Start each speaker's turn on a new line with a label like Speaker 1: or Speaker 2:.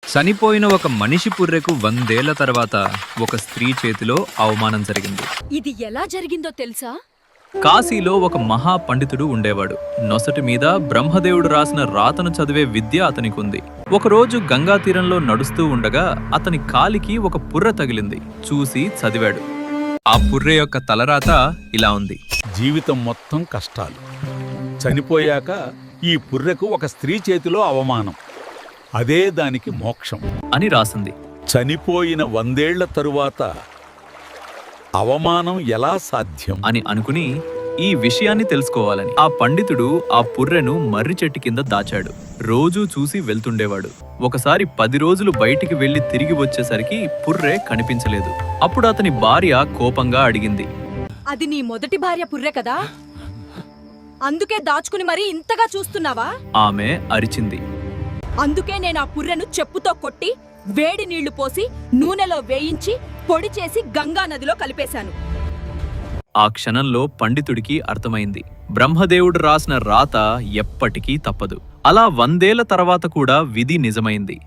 Speaker 1: చనిపోయిన ఒక మనిషి పుర్రెకు 100 ఏళ్ల తర్వాత ఒక స్త్రీ చేతిలో అవమానం జరిగింది.
Speaker 2: ఇది ఎలా జరిగిందో తెలుసా?
Speaker 1: కాశీలో ఒక మహా పండితుడు ఉండేవాడు. నొసటి మీద బ్రహ్మదేవుడు రాసిన రాతను చదివే విద్య అతనికుంది. ఒకరోజు గంగా తీరంలో నడుస్తూ ఉండగా అతని కాలికి ఒక పుర్రె తగిలింది. చూసి చదివాడు. ఆ పుర్రె యొక్క తలరాత ఇలా ఉంది:
Speaker 3: జీవితం మొత్తం కష్టాలు, చనిపోయాక ఈ పుర్రెకు ఒక స్త్రీ చేతిలో అవమానం, అదే దానికి మోక్షం
Speaker 1: అని రాసింది.
Speaker 3: చనిపోయిన 100 ఏళ్ల తరువాత అవమానం ఎలా సాధ్యం
Speaker 1: అని అనుకుని ఈ విషయాన్ని తెలుసుకోవాలని ఆ పండితుడు ఆ పుర్రెను మర్రి చెట్టు కింద దాచాడు. రోజూ చూసి వెళ్తుండేవాడు. ఒకసారి 10 రోజులు బయటికి వెళ్లి తిరిగి వచ్చేసరికి పుర్రె కనిపించలేదు. అప్పుడు అతని భార్య కోపంగా అడిగింది,
Speaker 2: అది నీ మొదటి భార్య పుర్రె కదా? అందుకే దాచుకుని మరీ ఇంతగా చూస్తున్నావా?
Speaker 1: ఆమె అరిచింది.
Speaker 2: అందుకే నేను ఆ పుర్రెను చెప్పుతో కొట్టి వేడి నీళ్లు పోసి నూనెలో వేయించి పొడి చేసి గంగా నదిలో కలిపేశాను.
Speaker 1: ఆ క్షణంలో పండితుడికి అర్థమైంది, బ్రహ్మదేవుడు రాసిన రాత ఎప్పటికీ తప్పదు. అలా 100 ఏళ్ల తర్వాత కూడా విధి నిజమైంది.